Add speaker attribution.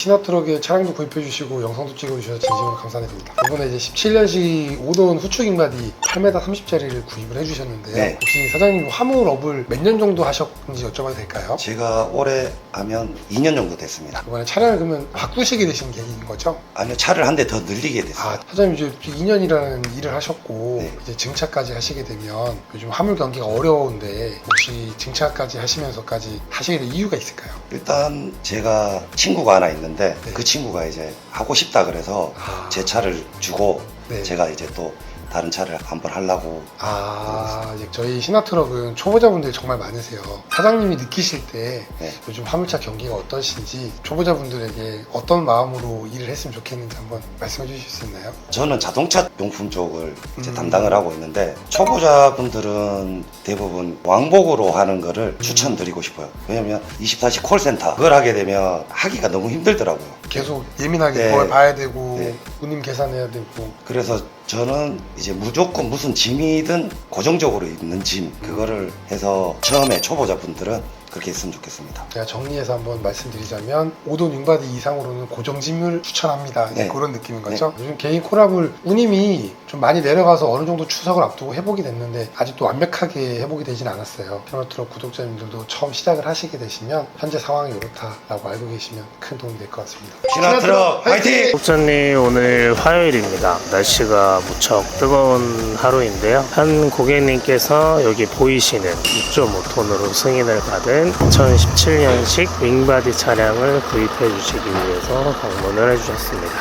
Speaker 1: 신화트럭에 차량도 구입해 주시고 영상도 찍어 주셔서 진심으로 감사드립니다. 이번에 이제 17년식 5돈 후축 인바디 8m 30짜리를 구입을 해 주셨는데요.
Speaker 2: 네.
Speaker 1: 혹시 사장님 화물업을 몇 년 정도 하셨는지 여쭤봐도 될까요?
Speaker 2: 제가 올해 하면 2년 정도 됐습니다.
Speaker 1: 이번에 차량을 그러면 바꾸시게 되신 계기인 거죠?
Speaker 2: 아니요, 차를 한 대 더 늘리게 됐어요.
Speaker 1: 사장님 이제 2년이라는 일을 하셨고
Speaker 2: 네.
Speaker 1: 이제 증차까지 하시게 되면 요즘 화물 경기가 어려운데 혹시 증차까지 하시면서까지 하시게 된 이유가 있을까요?
Speaker 2: 일단 제가 친구가 하나 있는데
Speaker 1: 네.
Speaker 2: 그 친구가 이제 하고 싶다 그래서 제 차를 주고
Speaker 1: 네.
Speaker 2: 제가 이제 또 다른 차를 한번 하려고.
Speaker 1: 이제 저희 신화트럭은 초보자분들이 정말 많으세요. 사장님이 느끼실 때
Speaker 2: 네.
Speaker 1: 요즘 화물차 경기가 어떠신지 초보자분들에게 어떤 마음으로 일을 했으면 좋겠는지 한번 말씀해 주실 수 있나요?
Speaker 2: 저는 자동차 용품 쪽을 이제 담당을 하고 있는데 초보자분들은 대부분 왕복으로 하는 거를 추천드리고 싶어요. 왜냐면 24시 콜센터 그걸 하게 되면 하기가 너무 힘들더라고요.
Speaker 1: 계속 예민하게
Speaker 2: 네.
Speaker 1: 그걸 봐야 되고
Speaker 2: 네.
Speaker 1: 운임 계산해야 되고.
Speaker 2: 그래서 저는 이제 무조건 무슨 짐이든 고정적으로 있는 짐 그거를 해서 처음에 초보자분들은 그렇게 했으면 좋겠습니다.
Speaker 1: 제가 정리해서 한번 말씀드리자면 5돈 융바디 이상으로는 고정짐을 추천합니다.
Speaker 2: 네.
Speaker 1: 그런 느낌인 거죠. 요즘 개인 콜압을 운임이 좀 많이 내려가서 어느 정도 추석을 앞두고 회복이 됐는데 아직도 완벽하게 회복이 되진 않았어요. 신화트럭 구독자님들도 처음 시작을 하시게 되시면 현재 상황이 이렇다라고 알고 계시면 큰 도움이 될 것 같습니다.
Speaker 2: 신화트럭 화이팅!
Speaker 3: 국장님, 오늘 화요일입니다. 날씨가 무척 뜨거운 하루인데요. 한 고객님께서 여기 보이시는 6.5톤으로 승인을 받은 2017년식 윙바디 차량을 구입해 주시기 위해서 방문을 해주셨습니다.